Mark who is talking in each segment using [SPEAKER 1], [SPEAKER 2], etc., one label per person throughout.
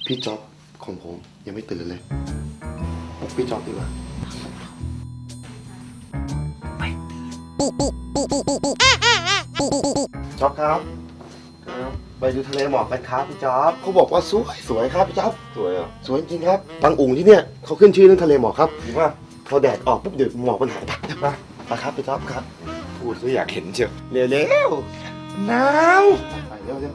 [SPEAKER 1] พี่จ๊อบของผมยังไม่ตื่นเลยปลุกพี่จ๊อบดีกว่าจ๊อบครับไปดูทะเลหมอกกันครับพี่จ๊อบเขาบอกว่าสวยครับพี่จ๊อบสวยเหรอสวยจริงครับบางอุ่งที่เนี่ยเขาขึ้นชื่อเรื่องทะเลหมอกครับจริงป่ะพอแดดออกปุ๊บเดี๋ยวหมอกมันหายไปครับพี่จ๊อบครับ
[SPEAKER 2] พูดซะอยากเห็นเชียว
[SPEAKER 1] เร็วหนาวไปเร็ว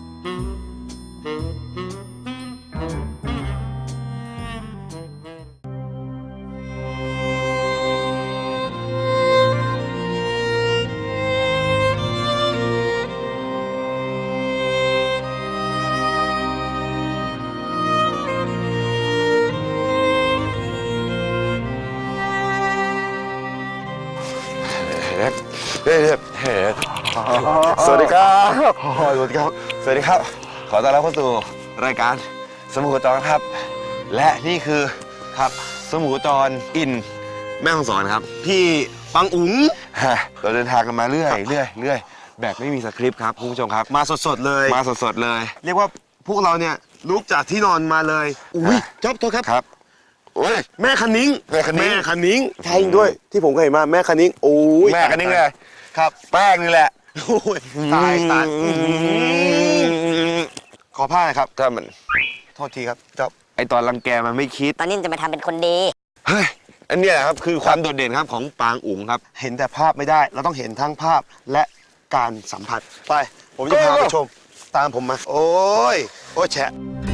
[SPEAKER 2] สวัสดีครับสวัสดีครับสวัสดีครับขอต้อนรับเข้าสู่รายการสมุทรจรครับและนี่คือครับสมุทรจรอินแม่ฮ่องสอนครับพี่ปังอุ๋งเราเดินทางกันมาเรื่อยแบบไม่มีสคริปต์ครับคุณผู้ชมครับ
[SPEAKER 1] มาสดเลย เรียกว่าพวกเราเนี่ยลุกจากที่นอนมาเลยอุ้ยจ๊อบโทษครับ
[SPEAKER 2] ครับโอ้ย
[SPEAKER 1] แม่คันนิ้งใช่ด้วยที่ผมเคยเห็นมาแม่คันนิ้งโอ้ย
[SPEAKER 2] แม่คันนิ้งเลย
[SPEAKER 1] ครับ
[SPEAKER 2] แป้งนี่แหละ
[SPEAKER 1] โอ้ยตายขอผ้าหน่อยครับ
[SPEAKER 2] ถ้ามัน
[SPEAKER 1] โทษทีครับจ๊อบ
[SPEAKER 2] ไอตอนรังแกมันไม่คิด
[SPEAKER 3] ตอนนี้จะมาทำเป็นคนดี
[SPEAKER 2] เฮ้ยอันนี้แหละครับคือความโดดเด่นครับของปางอุ๋งครับ
[SPEAKER 1] เห็นแต่ภาพไม่ได้เราต้องเห็นทั้งภาพและการสัมผัสไปผมจะพาไปชมตามผมมาโอ้ยแฉะ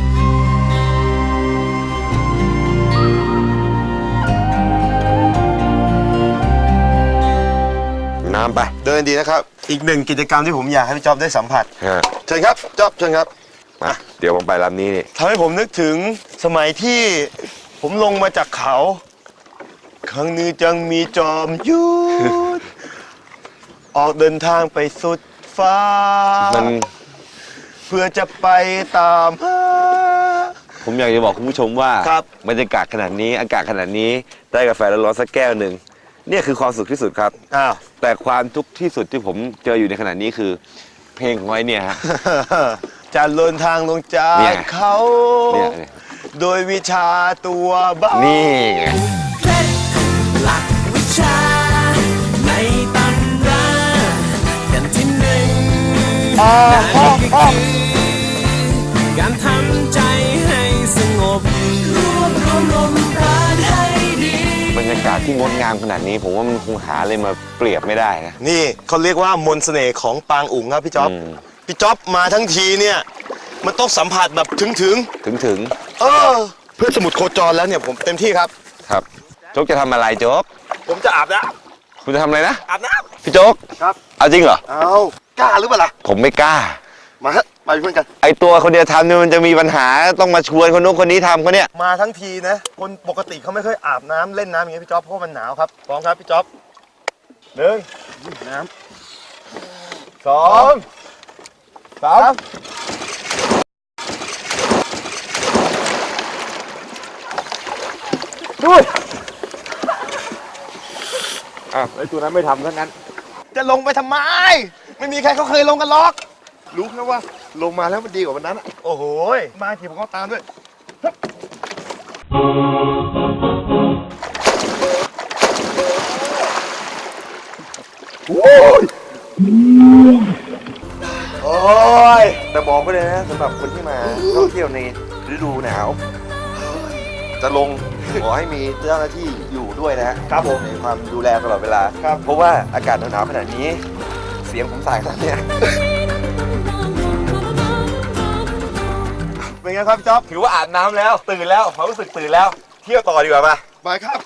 [SPEAKER 2] น้ำไป
[SPEAKER 1] เดินดีนะครับอีกหนึ่งกิจกรรมที่ผมอยากให้พี่จ๊อบได้สัมผัสเชิญครับจ๊อบเชิญครับ
[SPEAKER 2] มาเดี๋ยวผมไปลำนี้นี่
[SPEAKER 1] ทำให้ผมนึกถึงสมัยที่ผมลงมาจากเขาครั้งนี้จังมีจอมยุทธออกเดินทางไปสุดฟ้าเพื่อจะไปตามหา
[SPEAKER 2] ผมอยากจะบอกคุณผู้ชมว่าบรรยากาศขนาดนี้อากาศขนาดนี้ได้กาแฟร้อนๆสักแก้วหนึ่งเนี่ยคือความสุขที่สุดครับแต่ความทุกข์ที่สุดที่ผมเจออยู่ในขณะนี้คือเพลงของไอ้เนี่ยฮะ
[SPEAKER 1] จะเดินทางลงจากเขาโดยวิชาตัวบ้า
[SPEAKER 2] นี่ไง
[SPEAKER 4] เคล็ดลับวิชาในตำรากันที่หนึ่งนั่นก็คือการทำใจให้สงบรวบรวมลมปราณให้ดี
[SPEAKER 2] บรรยากาศที่งดงามขนาดนี้ผมว่ามันคงหาอะไรมาเปรียบไม่ได้นะ
[SPEAKER 1] นี่เขาเรียกว่ามนต์เสน่ห์ของปางอุ๋งครับพี่จ๊อบพี่จ๊อบมาทั้งทีเนี่ยมันต้องสัมผัสแบบถึงเพื่อสมุดโคจรแล้วเนี่ยผมเต็มที่ครับ
[SPEAKER 2] โจ๊กจะทำอะไรโจ๊ก
[SPEAKER 1] ผมจะอาบน้
[SPEAKER 2] ำคุณจะทำอะไรนะ
[SPEAKER 1] อาบน้
[SPEAKER 2] ำพี่โจ๊ก
[SPEAKER 1] ครับ
[SPEAKER 2] เอาจริงเหรอ
[SPEAKER 1] เอากล้าหรือเปล่าล่ะ
[SPEAKER 2] ผมไม่กล้า
[SPEAKER 1] มาฮะไปเพื่อนกัน
[SPEAKER 2] ไอตัวคนเดียวทำเนี่ยมันจะมีปัญหาต้องมาชวนคนนู้นคนนี้ทำเขาเนี่ย
[SPEAKER 1] มาทั้งทีนะคนปกติเขาไม่เคยอาบน้ำเล่นน้ำอย่างเงี้ยพี่จ๊อบเพราะมันหนาวครับพร้อมครับพี่จ๊อบ1น้ำ2 3ด้วย
[SPEAKER 2] ไอตัวนั้นไม่ทำทั้งนั้น
[SPEAKER 1] จะลงไปทำไมไม่มีใครเขาเคยลงกันหรอกรู้แค่ว่าลงมาแล้วมันดีกว่าวันนั้นโอ้โหมาทีผมก็ตามด้วยโอ้ยแต่บอกไปเลยนะสำหรับคนที่มาท่องเที่ยวในฤดูหนาวจะลงขอให้มีเจ้าหน้าที่อยู่ด้วยนะครับผมในความดูแลตลอดเวลาเพราะว่าอากาศหนาวขนาดนี้เสียงผมสายขนาดนี้เป็นไงครับจ๊อบ
[SPEAKER 2] ถือว่าอาบน้ำแล้วตื่นแล้วความรู้สึกตื่นแล้วเที่ยวต่อดีกว่ามา
[SPEAKER 1] ไปครับ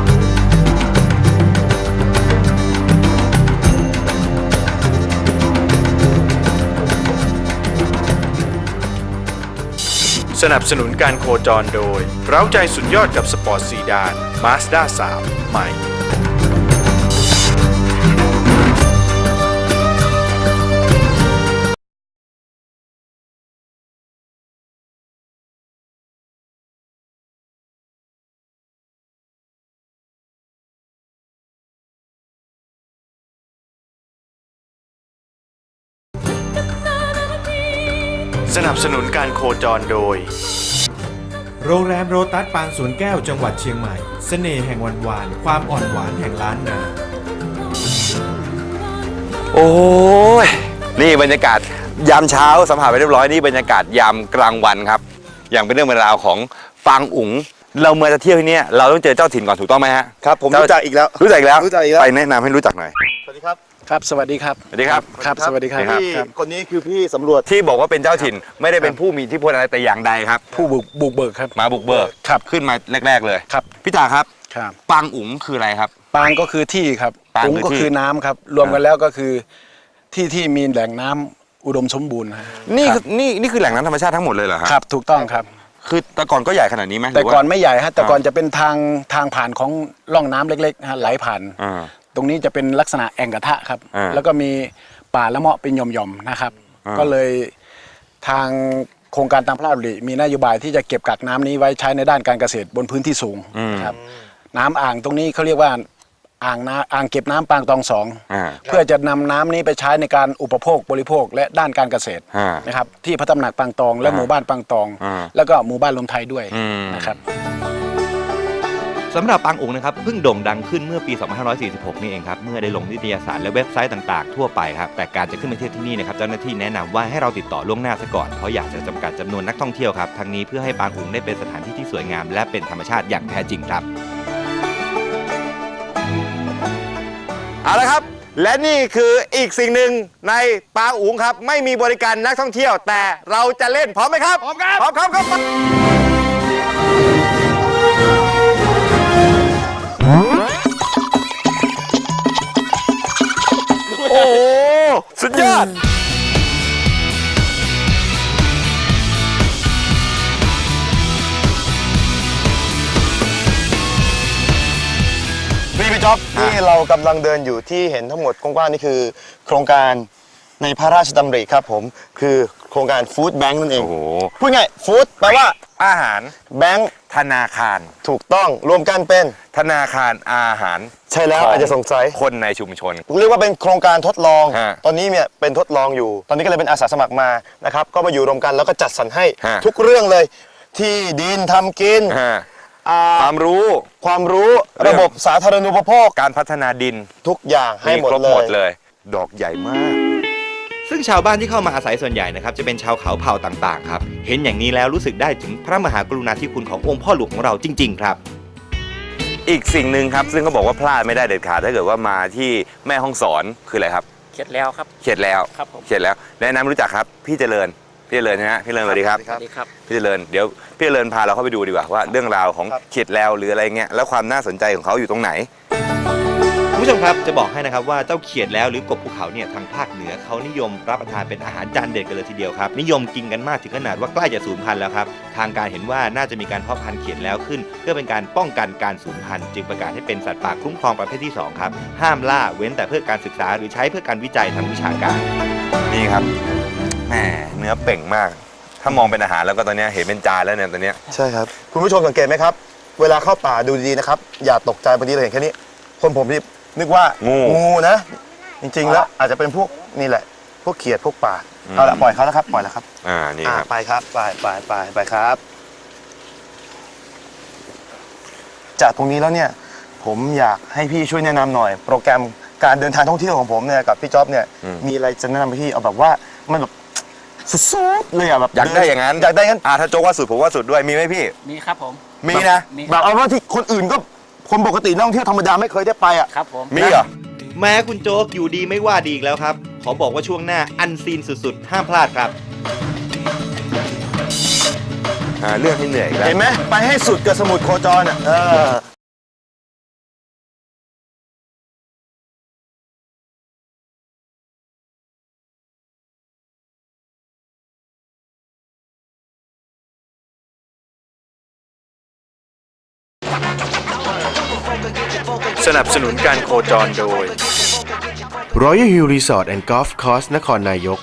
[SPEAKER 5] สนับสนุนการโคจรโดยเร้าใจสุดยอดกับสปอร์ตซีดาน Mazda 3 ใหม่สนับสนุนการโคจรโดยโรงแรมโรตัสปางสวนแก้วจังหวัดเชียงใหม่เสน่ห์แห่งวันวานความอ่อนหวานแห่งล้านนา
[SPEAKER 2] โอ้ยนี่บรรยากาศยามเช้าสัมผัสไปเรียบร้อยนี่บรรยากาศยามกลางวันครับอย่างเป็นเรื่องเป็นราวของปางอุ๋งเราเมื่อจะเที่ยวที่นี่เราต้องเจอเจ้าถิ่นก่อนถูกต้องไหมฮะ
[SPEAKER 1] ครับผมรู้จักอีกแล้ว
[SPEAKER 2] รู้จักอีกแล้ว
[SPEAKER 1] รู้จักอีกแล้ว
[SPEAKER 2] ไปแนะนำให้รู้จักหน่อย
[SPEAKER 1] สวัสดีครับ
[SPEAKER 3] ครับ สวัสดีครับ
[SPEAKER 2] สวัสดีครับ
[SPEAKER 3] ครับ สวัสดีครับ
[SPEAKER 1] พี่คนนี้คือพี่สำรวจ
[SPEAKER 2] ที่บอกว่าเป็นเจ้าถิ่นไม่ได้เป็นผู้มีอิทธิพลอะไรแต่อย่างใดครับ
[SPEAKER 3] ผู้บุกเบิกครับ
[SPEAKER 2] มาบุกเบิก
[SPEAKER 3] ครับ
[SPEAKER 2] ขึ้นมาแรก ๆเลย
[SPEAKER 3] ครับ
[SPEAKER 2] พี่จ๋าครับ
[SPEAKER 3] ครับ
[SPEAKER 2] ปางอุ๋งคืออะไรครับ
[SPEAKER 3] ปางก็คือที่ครับ
[SPEAKER 2] ปาง
[SPEAKER 3] อุ๋ง
[SPEAKER 2] คือ
[SPEAKER 3] ก็
[SPEAKER 2] ที่
[SPEAKER 3] คือน้ำครับ รวมกันแล้วก็คือที่มีแหล่งน้ำอุดมสมบูรณ์ฮะ
[SPEAKER 2] นี่
[SPEAKER 3] ค
[SPEAKER 2] คื
[SPEAKER 3] รั
[SPEAKER 2] อบ นี่คือแหล่งน้ำธรรมชาติทั้งหมดเลยเหรอครับ
[SPEAKER 3] ครับ ถูกต้องครับ
[SPEAKER 2] คือแต่ก่อนก็ใหญ่ขนาดนี้ไหมห
[SPEAKER 3] แต่
[SPEAKER 2] รืว่า
[SPEAKER 3] ก่อนไม่ใหญ่ฮะ แต่ก่อนจะเป็นทางผ่านของร่องน้ำเล็กๆฮะไหลผ่าน
[SPEAKER 2] อ่า
[SPEAKER 3] ตรงนี้จะเป็นลักษณะแอ่งกระทะครับ
[SPEAKER 2] อ่า
[SPEAKER 3] แล้วก็มีป่าละเมาะเป็นหย่อมๆนะครับ
[SPEAKER 2] อ่า
[SPEAKER 3] ก็เลยทางโครงการตามพระราชดำริมีนโยบายที่จะเก็บกักน้ำนี้ไว้ใช้ในด้านการเกษตรบนพื้นที่สูงนะครับ น้ำอ่างตรงนี้เขาเรียกว่าอ่างเก็บน้ำปางตองสอง
[SPEAKER 2] อ่า
[SPEAKER 3] เพื่อจะนำน้ำนี้ไปใช้ในการอุปโภคบริโภคและด้านการเกษตร
[SPEAKER 2] อ่า
[SPEAKER 3] นะครับที่พระตำหนักปางตองและ
[SPEAKER 2] อ่า
[SPEAKER 3] หมู่บ้านปางตอง
[SPEAKER 2] อ่า
[SPEAKER 3] แล้วก็หมู่บ้านลมไทยด้วย
[SPEAKER 2] อืม
[SPEAKER 3] นะครับ
[SPEAKER 6] สำหรับปางอุ๋งนะครับเพิ่งโด่งดังขึ้นเมื่อปี 2546 นี่เองครับ เมื่อได้ลงนิตยสารและเว็บไซต์ต่างๆ ทั่วไปครับ แต่การจะขึ้นมาเที่ยวที่นี่นะครับเจ้าหน้าที่แนะนำว่าให้เราติดต่อล่วงหน้าซะก่อน เพราะอยากจะจำกัดจำนวนนักท่องเที่ยวครับ ทั้งนี้เพื่อให้ปางอุ๋งได้เป็นสถานที่ที่สวยงามและเป็นธรรมชาติอย่างแท้จริงครับ
[SPEAKER 2] เอาละครับ และนี่คืออีกสิ่งหนึ่งในปางอุ๋งครับ ไม่มีบริการนักท่องเที่ยว แต่เราจะเล่นพร้อมไหมครับ พร้อมครับ พร้อมครับโอ้โห สุดยอด
[SPEAKER 1] พี่จ๊อบที่เรากำลังเดินอยู่ที่เห็นทั้งหมดกว้างๆนี่คือ โครงการในพระราชดำริครับผมคือโครงการฟู้ดแบงค์นั่นเอง
[SPEAKER 2] โอ้โห
[SPEAKER 1] พูดง่ายฟู้ดแปลว่า
[SPEAKER 2] อาหาร
[SPEAKER 1] แบงค์
[SPEAKER 2] ธนาคาร
[SPEAKER 1] ถูกต้องรวมกันเป็น
[SPEAKER 2] ธนาคารอาหาร
[SPEAKER 1] ใช่แล้ว
[SPEAKER 2] ข
[SPEAKER 1] อาจจะสงสัย
[SPEAKER 2] คนในชุมชน
[SPEAKER 1] เรียกว่าเป็นโครงการทดลอง
[SPEAKER 2] ฮะ
[SPEAKER 1] ตอนนี้เนี่ยเป็นทดลองอยู่ ตอนนี้ก็เลยเป็นอาสาสมัครมานะครับก็มาอยู่รวมกันแล้วก็จัดสรรให้
[SPEAKER 2] ฮะ
[SPEAKER 1] ทุกเรื่องเลย ที่ดินทำกิน
[SPEAKER 2] ฮะ
[SPEAKER 1] อ่า
[SPEAKER 2] ความรู้
[SPEAKER 1] ความรู้
[SPEAKER 2] เรื่อง
[SPEAKER 1] ระบบสาธารณูปโภค
[SPEAKER 2] การพัฒนาดิน
[SPEAKER 1] ทุกอย่างให้หมด
[SPEAKER 2] ครบ
[SPEAKER 1] เล
[SPEAKER 2] หมด
[SPEAKER 1] ย
[SPEAKER 2] เลย ดอกใหญ่มาก
[SPEAKER 6] ซึ่งชาวบ้านที่เข้ามาอาศัยส่วนใหญ่นะครับจะเป็นชาวเขาเผ่าต่างๆครับเห็นอย่างนี้แล้วรู้สึกได้ถึงพระมหากรุณาธิคุณขององค์พ่อหลวงของเราจริง ๆ ครับ
[SPEAKER 2] อีกสิ่งหนึ่งครับ ซึ่งเขาบอกว่าพลาดไม่ได้เด็ดขาดถ้าเกิดว่ามาที่แม่ฮ่องสอนคืออะไรครับ
[SPEAKER 3] เข็ดแล้วครับ
[SPEAKER 2] เขียดแล้ว
[SPEAKER 3] ครับผม
[SPEAKER 2] เขียดแล้วแนะนำรู้จักครับ พี่เจริญนะฮะพี่เจริญสวัสดีครับ
[SPEAKER 1] สวัสดีครับ
[SPEAKER 2] พี่เจริญเดี๋ยวพี่เจริญพาเราเข้าไปดูดีกว่าว่าเรื่องราวของ
[SPEAKER 1] ครับ
[SPEAKER 2] เขียดแล้วหรืออะไรเงี้ยแล้วความน่าสนใจของเขาอยู่ตรงไหน
[SPEAKER 6] คุณผู้ชมครับจะบอกให้นะครับว่าเจ้าเขียดแล้วหรือกบภูเขาเนี่ยทางภาคเหนือเขานิยมรับประทานเป็นอาหารจานเด็ดกันเลยทีเดียวครับนิยมกินกันมากถึงขนาดว่าใกล้จะสูญพันธุ์แล้วครับทางการเห็นว่าน่าจะมีการเพาะพันธุ์เขียดแล้วขึ้น เพื่อเป็นการป้องกันการสูญพันธุ์จึงประกาศให้เป็นสัตว์ป่าคุ้มครองประเภทที่สองครับห้ามล่าเว้นแต่เพื่อการศึกษาหรือใช้เพื่อการวิจัยทางวิชาการ
[SPEAKER 2] นี่ครับแหมเนื้อเป่งมาก ถ้ามองเป็นอาหารแล้วก็ตอนเนี้ยเห็นเป็นจานแล้วเนี่ยตอนเนี้ย
[SPEAKER 1] ใช่ครับ คุณผู้ชมสังเกตไหมครับ เวลาเข้าป่าดูดีๆนะครับ อย่าตกใจบางทีเราเห็นแค่นี้ คนผมนี่นึกว่า
[SPEAKER 2] งู
[SPEAKER 1] นะ จริงๆแล้วอาจจะเป็นพวกนี่แหละ พวกเขียดพวกป่า
[SPEAKER 2] อืม
[SPEAKER 1] เอาละปล่อยเขาแล้วครับปล่อยแล้วครับ
[SPEAKER 2] นี่ครับ
[SPEAKER 1] ไปครับไปครับ จากตรงนี้แล้วเนี่ย ผมอยากให้พี่ช่วยแนะนำหน่อย โปรแกรมการเดินทางท่องเที่ยวของผมเนี่ยกับพี่จ๊อบเนี่ย
[SPEAKER 2] อืม
[SPEAKER 1] มีอะไรจะแนะนำให้พี่เอาแบบว่ามันแบบสุดๆเลยอะแบบ
[SPEAKER 2] อยากได้อย่างนั้น
[SPEAKER 1] อยากได้งั้น
[SPEAKER 2] ถ้าโจ๊กว่าสุดผมว่าสุดด้วยมีไหมพี่
[SPEAKER 3] มีครับผม
[SPEAKER 2] มีนะ
[SPEAKER 1] แบบเอาว่าที่คนอื่นก็คนปกตินักท่องเที่ยวธรรมดาไม่เคยได้ไปอ่ะ
[SPEAKER 3] ครับผม
[SPEAKER 2] มีเหรอ
[SPEAKER 6] แม้คุณโจ๊กอยู่ดีไม่ว่าดีอีกแล้วครับขอบอกว่าช่วงหน้าอันซีนสุดๆห้ามพลาดครับ
[SPEAKER 2] เรื่องที่เหนื่อยอีกแล้ว
[SPEAKER 1] เห็นไหมไปให้สุดกับสมุทรโคจรอ่ะ
[SPEAKER 5] สนับสนุนการโคจรโดย Royal Hill Resort and Golf Course นครนายก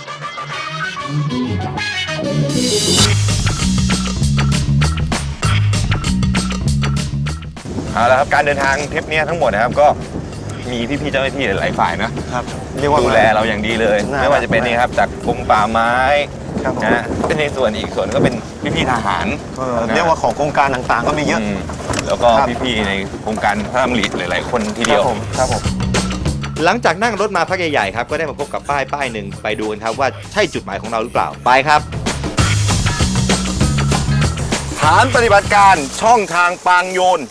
[SPEAKER 2] เอาละครับการเดินทางทริปเนี้ยทั้งหมดนะครับก็มีพี่ๆเจ้าหน้าที่หลายฝ่ายนะครับ
[SPEAKER 1] เรียกว่า
[SPEAKER 2] ดูแลเราอย่างดีเลย
[SPEAKER 1] น่ารัก
[SPEAKER 2] ไม่ว่าจะเป็นนี่ครับจากกรมป่าไม้
[SPEAKER 1] ครับผม
[SPEAKER 2] นะเป็นในส่วนอีกส่วนก็เป็นพี่ๆทหาร
[SPEAKER 7] เรียกว่าของโครงการต่างๆก็มีเยอะ
[SPEAKER 2] แล้วก็
[SPEAKER 7] ครับ
[SPEAKER 2] พี่ๆในโครงการพระราชดำริหลายๆคนทีเดียว
[SPEAKER 7] ครับผม
[SPEAKER 6] หลังจากนั่งรถมาพักใหญ่ๆครับก็ได้มาพบกับป้ายหนึ่งไปดูกันครับว่าใช่จุดหมายของเราหรือเปล่าไปครับ
[SPEAKER 2] ฐานปฏิบัติการช่องทางปางโยน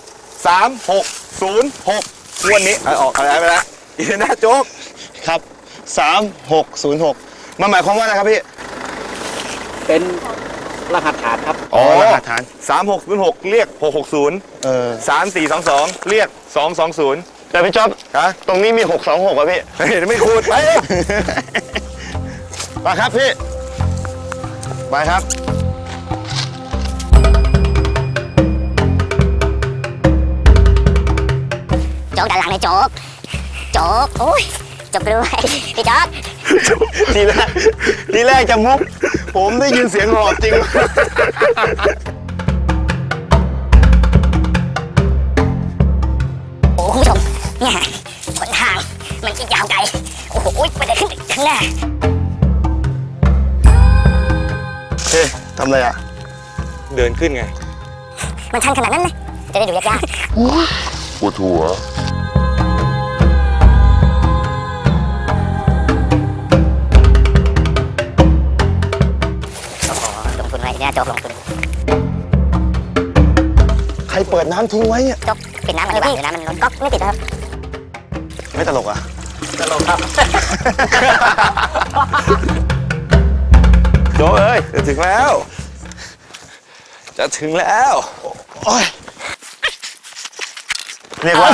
[SPEAKER 2] 3606วันนี้ออกอะไรไปแล้วอีน่าโจ๊ก
[SPEAKER 7] ครับ 3606มันหมายความว่าอะไรครับพี่
[SPEAKER 3] เป็นรหัสฐานครับ
[SPEAKER 2] อ๋อ
[SPEAKER 7] รหัสฐาน
[SPEAKER 2] 3606 เรียก 660 3422 เรียก 220
[SPEAKER 7] แต่พี่จ๊อบ
[SPEAKER 2] ฮะ
[SPEAKER 7] ตรงนี้มี 626อ่ะพี่
[SPEAKER 2] เฮ้ยไม่คูดไป
[SPEAKER 7] มาครับพี่ไปครับ
[SPEAKER 8] โจ๊กด้านหลังเลยโจ๊ก โจ๊ก โอ้ยจบกล้วยพี่โจ๊ก
[SPEAKER 7] ทีแรกจะมุก ผมได้ยินเสียงหอบจริง
[SPEAKER 8] โอ้คุณผู้ชมเนี่ยหนทางมันจะยาวไกล โอ้โหไปได้ขึ้นข้างหน้า
[SPEAKER 7] เฮ้ยทำอะไรอ่ะ
[SPEAKER 2] เดินขึ้นไง
[SPEAKER 8] มันชันขนาดนั้นเลยจะได้ดูยาก
[SPEAKER 2] ปวดหัว
[SPEAKER 8] ๆโอ้โหลงทุนไว้เนี่ยโจ๊กลงทุน
[SPEAKER 7] ใครเปิดน้ำทิ้งไว้เนี่ย
[SPEAKER 8] โจ๊กปิดน้ำมันดีกว่าเดี๋ยวน้ำมันล้นก๊อกไม่ติดนะครับ
[SPEAKER 7] ไม่ตลกอ่ะ
[SPEAKER 2] โจ้เอ้ยจะถึงแล้ว จะถึงแล้ว
[SPEAKER 7] โอ้ยเรียกว่า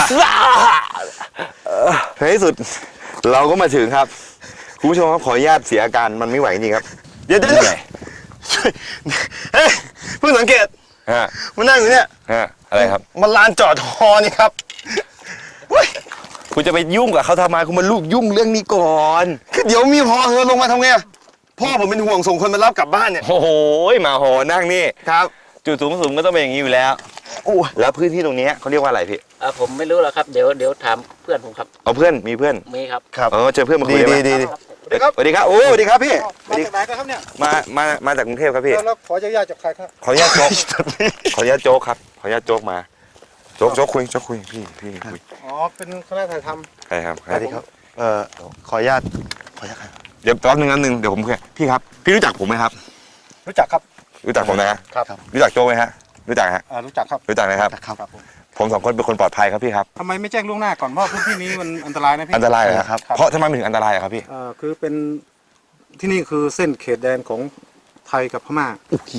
[SPEAKER 2] ในที่สุดเราก็มาถึงครับ คุณผู้ชมครับขออนุญาตเสียอาการมันไม่ไหวจริงๆครับ
[SPEAKER 7] เดี๋ยวช่วยเฮ้ยเพิ่งสังเกต
[SPEAKER 2] ฮะ
[SPEAKER 7] มันนั่งอยู่เนี่ย
[SPEAKER 2] ฮะอะไรครับ
[SPEAKER 7] มันลานจอดฮอนี่ครับเฮ้ย
[SPEAKER 2] คุณจะไปยุ่งกับเขาทำไมคุณมาลูกยุ่งเรื่องนี้ก่อน
[SPEAKER 7] คือเดี๋ยวมีฮอเธอลงมาทำไงอะพ่อผมเป็นห่วงส่งคนมารับกลับบ้านเนี่ย
[SPEAKER 2] โอ้โหมาโหนั่งนี่
[SPEAKER 7] ครับ
[SPEAKER 2] จุดสูงสุดก็ต้องเป็นอย่างนี้อยู่แล้ว
[SPEAKER 7] โอ้
[SPEAKER 2] แล้วพื้นที่ตรงนี้เขาเรียกว่าอะไรพี่
[SPEAKER 3] ผมไม่รู้หรอกครับ เดี๋ยวถามเพื่อนผมครับ
[SPEAKER 2] เอาเพื่อนมีเพื่อน
[SPEAKER 3] มีครับ
[SPEAKER 7] ครับ
[SPEAKER 2] เจอเพื่อนมาคุ
[SPEAKER 7] ดี
[SPEAKER 2] ยได้ไหม
[SPEAKER 7] ดี
[SPEAKER 2] สวัสดีครับโอ้สวัสดีครับพี่
[SPEAKER 9] มาจากไหนกันครับเนี่ย
[SPEAKER 2] มาจากกรุงเทพครับพี่
[SPEAKER 9] แล้วขออนุญาตจากใครครับ
[SPEAKER 2] ขออนุญาตโจ๊ก ขออนุญาตโจ๊กครับขออนุญาตโจ๊กมาโจ๊กคุยพี่คุย
[SPEAKER 9] อ๋อ เป็นคณะถ่ายท
[SPEAKER 2] ใครครับ
[SPEAKER 7] สวัสดีครับขออนุญาตครับ
[SPEAKER 2] เดี๋ยวแป๊บนึงเดี๋ยวผมคุยพี่ครับพี่รู้จักผมไหมครับ
[SPEAKER 9] ำรู้จักครับ
[SPEAKER 2] รู้จักผมนะครับ รู้จักโจ๊กไหมฮะรู้จักฮะ
[SPEAKER 9] รู้จักครับ
[SPEAKER 2] รู้จักนะครับ
[SPEAKER 7] ครับผม
[SPEAKER 2] ผมสองคนเป็นคนปลอดภัยครับพี่ครับ
[SPEAKER 9] ทำไมไม่แจ้งล่วงหน้าก่อนเพราะพื้นที่นี้มันอันตรายนะพี่
[SPEAKER 2] อันตรายเหรอครับเพราะทำไมมันถึงอันตรายอะครับพี่
[SPEAKER 9] คือเป็นที่นี่คือเส้นเขตแดนของไทยกับพม่า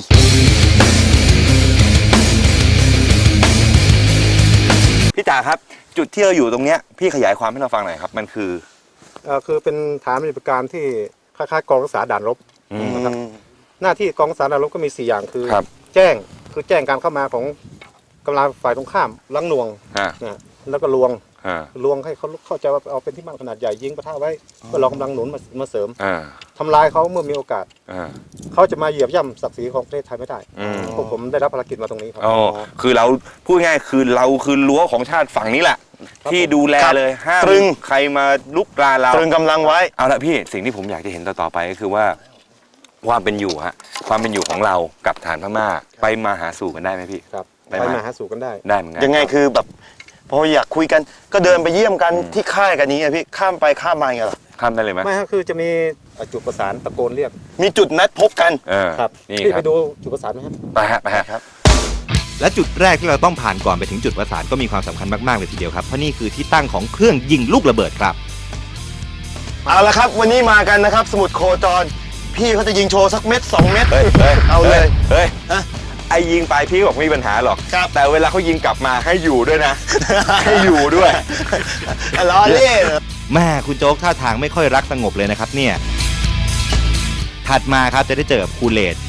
[SPEAKER 2] พี่จ๋าครับจุดที่เราอยู่ตรงเนี้ยพี่ขยายความให้เราฟังหน่อยครับมันคือ
[SPEAKER 9] คือเป็นฐานปฏิบัติการที่คล้ายๆกองรักษาด่านรบ นะครับ หน้าที่กองรักษาด่านรบก็มี 4 อย่างคือ
[SPEAKER 2] ครับ
[SPEAKER 9] แจ้งการเข้ามาของกำลังฝ่ายตรงข้ามลังหน่วง
[SPEAKER 2] อ่า
[SPEAKER 9] นะแล้วก็ลวง
[SPEAKER 2] อ่า
[SPEAKER 9] ลวงให้เขาเข้าใจว่าเอาเป็นที่มั่นขนาดใหญ่ยิงปะทะไว้เพื่อรอกำลังหนุนมาเสริม
[SPEAKER 2] อ่า
[SPEAKER 9] ทำลายเขาเมื่อมีโอกาส
[SPEAKER 2] อ่า
[SPEAKER 9] เขาจะมาเหยียบย่ำศักดิ์ศรีของประเทศไทยไม่ได้
[SPEAKER 2] อืม
[SPEAKER 9] พวกผมได้รับภารกิจมาตรงนี้ครับ
[SPEAKER 2] อ๋อคือเราพูดง่ายคือเราคือรั้วของชาติฝั่งนี้แหละ
[SPEAKER 9] ครับ
[SPEAKER 2] ที่ดูแลเลยห้าม
[SPEAKER 7] ตรึง
[SPEAKER 2] ใครมาลุกรานเรา
[SPEAKER 7] ตรึงกำลังไว้
[SPEAKER 2] เอาละพี่สิ่งที่ผมอยากจะเห็นต่อไปก็คือว่าความเป็นอยู่ฮะความเป็นอยู่ของเรากับฐานพม่าไปมาหาสู่กันได้ไหมพี่
[SPEAKER 9] ครับ
[SPEAKER 2] ไป
[SPEAKER 9] ไป
[SPEAKER 2] มา
[SPEAKER 9] มาหาสู่กันได้
[SPEAKER 2] ได้เหมือนกัน
[SPEAKER 7] ยังไงคือแบบพออยากคุยกันก็เดินไปเยี่ยมกันที่ค่ายกันนี้ไงพี่ข้ามไปข้ามมาอย่างเงี้ยเหรอ
[SPEAKER 2] ข้ามได้เลยไหม
[SPEAKER 9] ไม่ฮะคือจะมีจุดประสานตะโกนเรียก
[SPEAKER 7] มีจุดนัดพบกัน
[SPEAKER 2] เออ
[SPEAKER 9] ครับ
[SPEAKER 2] นี่
[SPEAKER 9] พี่
[SPEAKER 2] ค
[SPEAKER 9] ไป
[SPEAKER 2] รับ
[SPEAKER 9] ดูจุดประสานไหมครับ
[SPEAKER 2] ไปฮะครับ
[SPEAKER 6] และจุดแรกที่เราต้องผ่านก่อนไปถึงจุดประสานก็มีความสำคัญมากๆเลยทีเดียวครับ เพราะนี่คือที่ตั้งของเครื่องยิงลูกระเบิดครับ
[SPEAKER 7] เอาละครับ วันนี้มากันนะครับ สมุดโคจร พี่เขาจะยิงโชว์สักเม็ด2 เม็ด
[SPEAKER 2] เฮ้ย
[SPEAKER 7] เอาเลย
[SPEAKER 2] เฮ้ย
[SPEAKER 7] ฮะ
[SPEAKER 2] ไอ้ยิงไปพี่บอกไม่มีปัญหาหรอก
[SPEAKER 7] ครับ
[SPEAKER 2] แต่เวลาเขายิงกลับมาให้อยู่ด้วยนะ ให้อยู่ด้วย
[SPEAKER 7] ล้อเล่น
[SPEAKER 6] แม่คุณโจ๊กท่าทางไม่ค่อยรักสงบเลยนะครับเนี่ย ถัดมาครับจะได้เจอกับคูเลต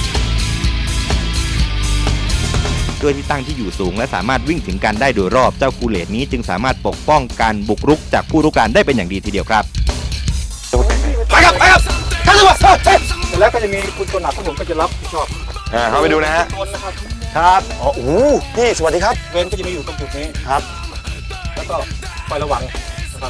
[SPEAKER 6] ด้วยที่ตั้งที่อยู่สูงและสามารถวิ่งถึงกันได้โดยรอบเจ้าคูเลตนี้จึงสามารถปกป้องการบุกรุกจากผู้รุกรานได้เป็นอย่างดีทีเดียวครับ
[SPEAKER 2] ไปครับท่านตำรวจ
[SPEAKER 9] เสร็จแล้วก็จะมีคุณตัวหนักที่ผมก็จะรับผิดชอบ
[SPEAKER 2] เข้าไปดูนะฮะ
[SPEAKER 9] ตัวนะครับ
[SPEAKER 7] ครับอ๋อโอ้โหพี่สวัสดีครับ
[SPEAKER 9] เวรก็จะมีอยู่ตรงจุดนี้
[SPEAKER 7] ครับ
[SPEAKER 9] แล้วก็คอยระวังนะครับ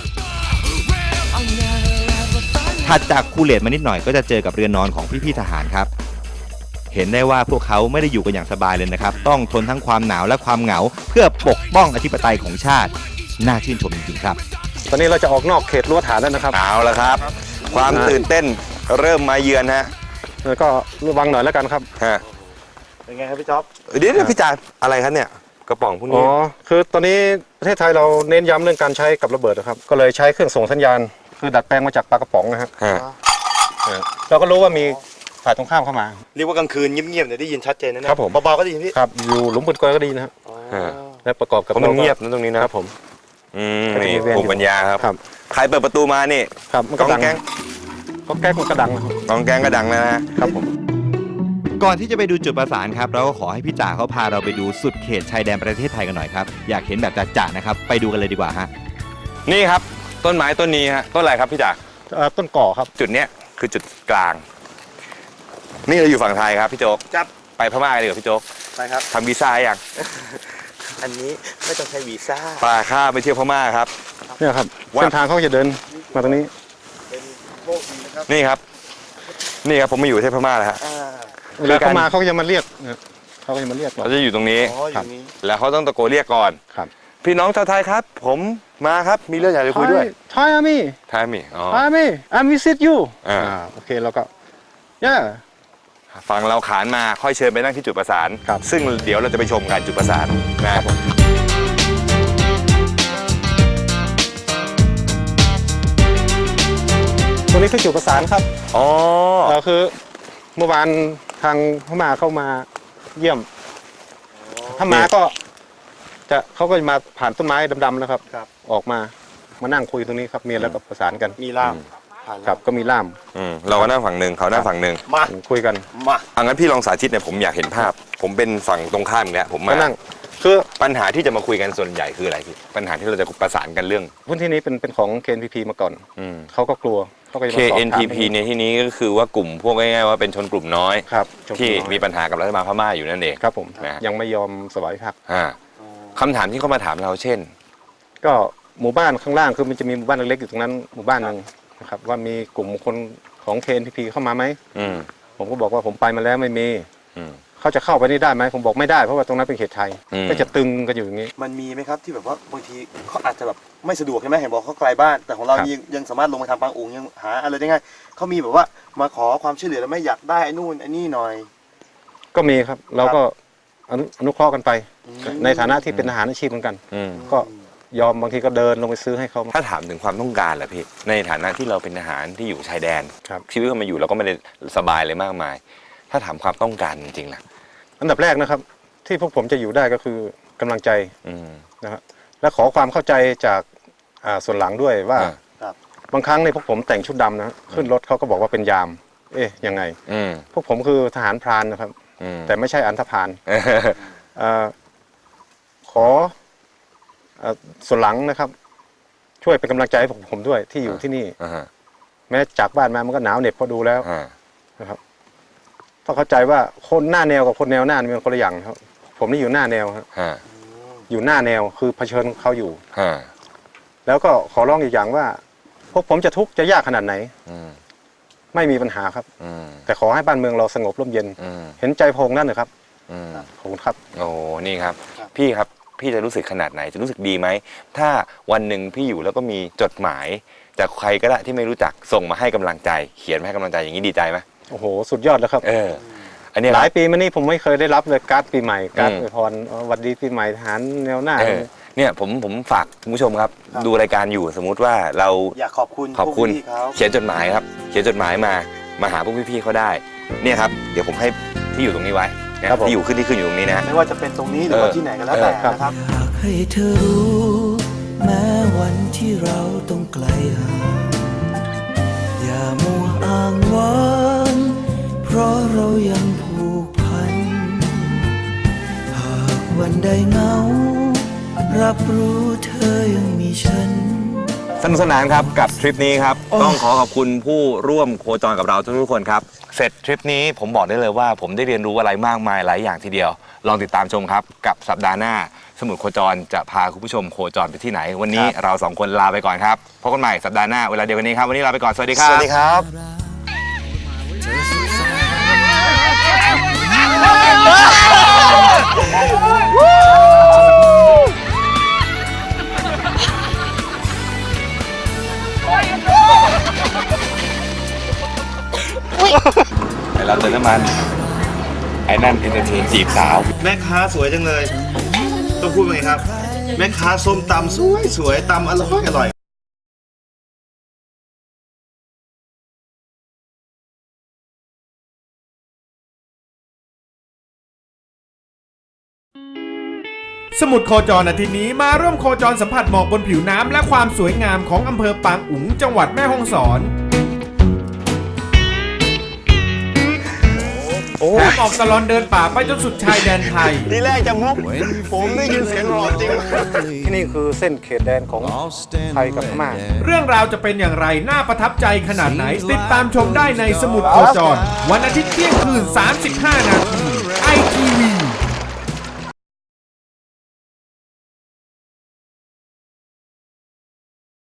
[SPEAKER 6] ถัดจากคูเลตมานิดหน่อยก็จะเจอกับเรือนนอนของพี่ๆทหารครับเห็นได้ว่าพวกเขาไม่ได้อยู่กันอย่างสบายเลยนะครับต้องทนทั้งความหนาวและความเหงาเพื่อปกป้องอธิปไตยของชาติน่าชื่นชมจริงๆครับ
[SPEAKER 9] ตอนนี้เราจะออกนอกเขตรั้วฐานแล้วนะครับ
[SPEAKER 2] เอาละครับ ความตื่นเต้นเริ่มมาเยือนฮะ
[SPEAKER 9] แล้วก็ระวังหน่อยแล้วกันครับ
[SPEAKER 2] ฮะ
[SPEAKER 9] เป็นไงครับพี่จ๊อบ
[SPEAKER 2] เดี๋ยวพี่จ่าอะไรครับเนี่ยกระป๋องพวก
[SPEAKER 9] อ๋
[SPEAKER 2] นี้
[SPEAKER 9] อคือตอนนี้ประเทศไทยเราเน้นย้ำเรื่องการใช้กับระเบิดนะครับก็เลยใช้เครื่องส่งสัญญาณคือดัดแปลงมาจากปลากระป๋องนะฮะ
[SPEAKER 2] ฮะ
[SPEAKER 9] เราก็รู้ว่ามีฝ่ายตรงข้ามเข้ามา
[SPEAKER 7] เรียกว่ากลางคืนเงียบๆเนี่ยได้ยินชัดเจนนะ
[SPEAKER 9] ครับผม
[SPEAKER 7] เบาๆก็ได้ยินพี่
[SPEAKER 9] ครับอยู่หลุมปืนกลก็ดีนะครับ
[SPEAKER 2] ฮะ
[SPEAKER 9] และประกอบกับ
[SPEAKER 2] เพราะมันเงียบนะตรงนี้นะครับ
[SPEAKER 9] ผม
[SPEAKER 2] นี่
[SPEAKER 9] ก็จะมีเวรอยู่
[SPEAKER 2] ภูมิปัญญาครับ
[SPEAKER 9] ครับ
[SPEAKER 2] ใครเปิดประตูมานี่
[SPEAKER 9] ครับมัน
[SPEAKER 2] ก
[SPEAKER 9] ก็
[SPEAKER 2] อง
[SPEAKER 9] ดัง
[SPEAKER 2] แกง
[SPEAKER 9] ก็แก๊กมันก็ดังนะครับ
[SPEAKER 2] กองแกงก็ดังนะฮะ
[SPEAKER 9] ครับผม
[SPEAKER 6] ก่อนที่จะไปดูจุดประสานครับเราก็ขอให้พี่จ่าเขาพาเราไปดูสุดเขตชายแดนประเทศไทยกันหน่อยครับอยากเห็นแบบจ่าๆนะครับไปดูกันเลยดีกว่าฮะ
[SPEAKER 2] นี่ครับต้นไม้ต้นนี้ฮะต้นอะไรครับพี่จ่า
[SPEAKER 9] ต้นก่อครับ
[SPEAKER 2] จุดเนี้ยคือจุดกลาง นี่เราอยู่ฝั่งไทยครับพี่โจ๊ก
[SPEAKER 7] ครับ
[SPEAKER 2] ไปพม่ากันดีกว่าพี่โจ๊ก
[SPEAKER 7] ไปครับ
[SPEAKER 2] ทำวีซ่ายัง
[SPEAKER 7] อันนี้ไม่ต้องใช้วีซ่า
[SPEAKER 2] ปลาข้าไปเที่ยวพม่าครับ
[SPEAKER 9] เนี่ยครับ
[SPEAKER 2] ว่า
[SPEAKER 9] เส้นทางเขาจะเดินมาตรงนี้
[SPEAKER 2] นี่ครับ นี่ครับผมมาอยู่ประเทศพม่าแล้วฮะ
[SPEAKER 9] เวลาเขามาเขาก็จะมาเรียกนะเขาก็จะมาเรียกเรา
[SPEAKER 2] เขาจะอยู่ตรงนี้
[SPEAKER 7] อ๋ออยู่นี้
[SPEAKER 2] แล้วเขาต้องตะโกนเรียกก่อน
[SPEAKER 9] ครับ
[SPEAKER 2] พี่น้องชาวไทยครับ ผมมาครับมีเรื่องอยากจะคุยด้วย
[SPEAKER 9] ไทยอาร์มี่
[SPEAKER 2] ไทยมีอ๋อ
[SPEAKER 9] ไทยอาร์มี่I'm visit you
[SPEAKER 2] อ่า
[SPEAKER 9] โอเคเราก็ yeah
[SPEAKER 2] ฟังเราขานมาค่อยเชิญไปนั่งที่จุดประสาน
[SPEAKER 9] ครับ
[SPEAKER 2] ซึ่งเดี๋ยวเราจะไปชมกันจุดประสานนะ
[SPEAKER 9] ตรงนี้คือจุดประสานครับ
[SPEAKER 2] อ๋อ
[SPEAKER 9] คือเมื่อวานทางพม่าเข้ามาเยี่ยม ถ้ามาก็จะเขาก็จะมาผ่านต้นไม้ดำๆนะครับ ออกมานั่งคุยตรงนี้ครับมีแล้วก็ประสานกัน
[SPEAKER 7] มีล่าม
[SPEAKER 9] ครับก็มีล่าม
[SPEAKER 2] เราก็นั่งฝั่งหนึ่งเขานั่งฝั่งหนึ่ง
[SPEAKER 7] มา
[SPEAKER 9] คุยกัน
[SPEAKER 7] มา
[SPEAKER 2] อังั้นพี่ลองสาธิตเนี่ยผมอยากเห็นภาพ ผมเป็นฝั่งตรงข้ามอีกแล้วผม
[SPEAKER 9] ก็
[SPEAKER 2] มา
[SPEAKER 9] นั่งคือ
[SPEAKER 2] ปัญหาที่จะมาคุยกันส่วนใหญ่คืออะไรพี่ปัญหาที่เราจะประสานกันเรื่อง
[SPEAKER 9] พื้นที่นี้เป็นของ KNPP มาก่อนเขาก็กลัวเขาก็จะมาสอบถาม
[SPEAKER 2] KNPP ในที่นี้ก็คือว่ากลุ่มพวกง่ายๆว่าเป็นชนกลุ่มน้อย
[SPEAKER 9] ครับ
[SPEAKER 2] ที่มีปัญหากับรัฐบาลพม่าอยู่นั่นเอง
[SPEAKER 9] ครับผม
[SPEAKER 2] นะ
[SPEAKER 9] ยังไม่ยอมสวายพักดิ์
[SPEAKER 2] คำถามที่เขามาถามเราเช่น
[SPEAKER 9] ก็หมู่บ้านข้างล่างคือมันจะมีหมู่บ้านเล็กๆอยู่ตรงนั้นหมู่บ้านหนึงนะครับว่ามีกลุ่มคนของ KNPP เข้ามาไหม ผมก็บอกว่าผมไปมาแล้วไม่มี เขาจะเข้าไปนี่ได้ไหมผมบอกไม่ได้เพราะว่าตรงนั้นเป็นเขตไทย ก็จะตึงกันอยู่อย่างนี้
[SPEAKER 7] มันมีไหมครับที่แบบว่าบางทีเขาอาจจะแบบไม่สะดวกใช่ไหมเห็นบอกเขาไกลบ้าน แต่ของเรา
[SPEAKER 9] ครับ
[SPEAKER 7] ยังสามารถลงมาทำปางอุ๋งยังหาอะไรได้ง่ายเขามีแบบว่ามาขอความช่วยเหลือแล้วไม่อยากได้ไอ้นู่นไอ้นี่หน่อย
[SPEAKER 9] ก็มีครับเราก็อนุเคราะห์กันไป ในฐานะที่เป็นทหารอาชีพเหมือนกัน ก็ยอมบางทีก็เดินลงไปซื้อให้เขา
[SPEAKER 2] ถ้าถามถึงความต้องการแหละพี่ในฐานะที่เราเป็นทหารที่อยู่ชายแดน
[SPEAKER 9] ครับ
[SPEAKER 2] ชีวิตเรามาอยู่เราก็ไม่ได้สบายเลยมากมาย ถ้าถามความต้องการจริงๆล่ะ
[SPEAKER 9] อันดับแรกนะครับ ที่พวกผมจะอยู่ได้ก็คือกำลังใจ
[SPEAKER 2] อืม
[SPEAKER 9] นะครับและขอความเข้าใจจากส่วนหลังด้วยว่า
[SPEAKER 7] ครับ
[SPEAKER 9] บางครั้งในพวกผมแต่งชุดดำนะขึ้นรถเขาก็บอกว่าเป็นยาม เอ๊ะยังไง พวกผมคือทหารพรานนะครับ แต่ไม่ใช่อันธพาลขอส่วนหลังนะครับ ช่วยเป็นกำลังใจให้ผมด้วยที่อยู่ที่นี่ แม้จากบ้านมามันก็หนาวเหน็บพอดูแล้วนะครับต้องเข้าใจว่าคนหน้าแนวกับคนแนวหน้ามันคนละอย่างครับ ผมนี่อยู่หน้าแนวครับอยู่หน้าแนวคือเผชิญเขาอยู่แล้วก็ขอร้องอีกอย่างว่า พวกผมจะทุกข์จะยากขนาดไหนไม่มีปัญหาครับแต่ขอให้บ้านเมืองเราสงบร่มเย็นเห็นใจพงนั่นนะครับขอบคุณครับ
[SPEAKER 2] โอ้นี่ครับ พี่ครับพี่จะรู้สึกขนาดไหนจะรู้สึกดีไหมถ้าวันหนึ่งพี่อยู่แล้วก็มีจดหมายจากใครก็ได้ที่ไม่รู้จักส่งมาให้กำลังใจ เขียนมาให้กำลังใจอย่างนี้ดีใจไหม
[SPEAKER 9] โอ้โหสุดยอดแล้วครับ
[SPEAKER 2] อันนี้
[SPEAKER 9] หลายปีมานี้ผมไม่เคยได้รับเลยการ์ดปีใหม่การ์ดอวยพรสวัสดีปีใหม่ทหารแนวหน้า
[SPEAKER 2] เนี่ยผมฝากคุณผู้ชมครับ ดูรายการอยู่สมมุติว่าเรา
[SPEAKER 7] อยากขอบคุณ
[SPEAKER 2] ขอบคุณ
[SPEAKER 7] พวกพี่เขา
[SPEAKER 2] เขียนจดหมายครับเขียนจดหมายมาหาพวกพี่ๆเขาได้เนี่ยครับเดี๋ยวผมให้ที่อยู่ตรงนี้ไว้นะครับ
[SPEAKER 9] ผม
[SPEAKER 2] ที่อยู่ขึ้นอยู่ตรงนี้นะ
[SPEAKER 7] ไม่ว่าจะเป็นตรงนี้หรือว่าที่ไหนก็แล้วแต่นะครับ
[SPEAKER 4] อยากให้เธอรู้แม้วันที่เราต้องไกลห่างอย่ามัวอ้างว้างเพราะเรายังผูกพันหากวันใดเหงารับรู้เธอยังมีฉัน
[SPEAKER 2] สนุกสนานครับกับทริปนี้ครับต้องขอขอบคุณผู้ร่วมโคจรกับเราทุกคนครับเสร็จทริปนี้ผมบอกได้เลยว่าผมได้เรียนรู้อะไรมากมายหลายอย่างทีเดียวลองติดตามชมครับกับสัปดาห์หน้าสมุดโคจรจะพาคุณผู้ชมโคจรไปที่ไหนวันนี้เราสองคนลาไปก่อนครับพบกันใหม่สัปดาห์หน้าเวลาเดียวกันนี้ครับวันนี้ลาไปก่อนสวัสดีครับ
[SPEAKER 7] สวัสดีครับ
[SPEAKER 4] เธอสงสาร
[SPEAKER 6] ไอเราเติมน้ำมัน ไอ้นั่นเอนเตอร์เทนจีบสาว แม่ค้าสวยจังเลย ต้องพูดว่าไงครับ แม่ค้าส้มตำสวยตำอร่อย
[SPEAKER 5] สมุดโคจรอาทิตย์นี้มาร่วมโคจรสัมผัสหมอกบนผิวน้ำและความสวยงามของอำเภอปางอุ๋งจังหวัดแม่ฮ่องสอนแถมออกตลอดเดินป่าไปจนสุดชายแดนไทย
[SPEAKER 7] ทีแรกจะมุก ผมได้ยินเสียงหลอจริง
[SPEAKER 9] ที่นี่คือเส้นเขตแดนของไทยกับพม่า
[SPEAKER 5] เรื่องราวจะเป็นอย่างไรน่าประทับใจขนาดไหนติดตามชมได้ในสมุดโคจรวันอาทิตย์เที่ยงคืน 35 นาที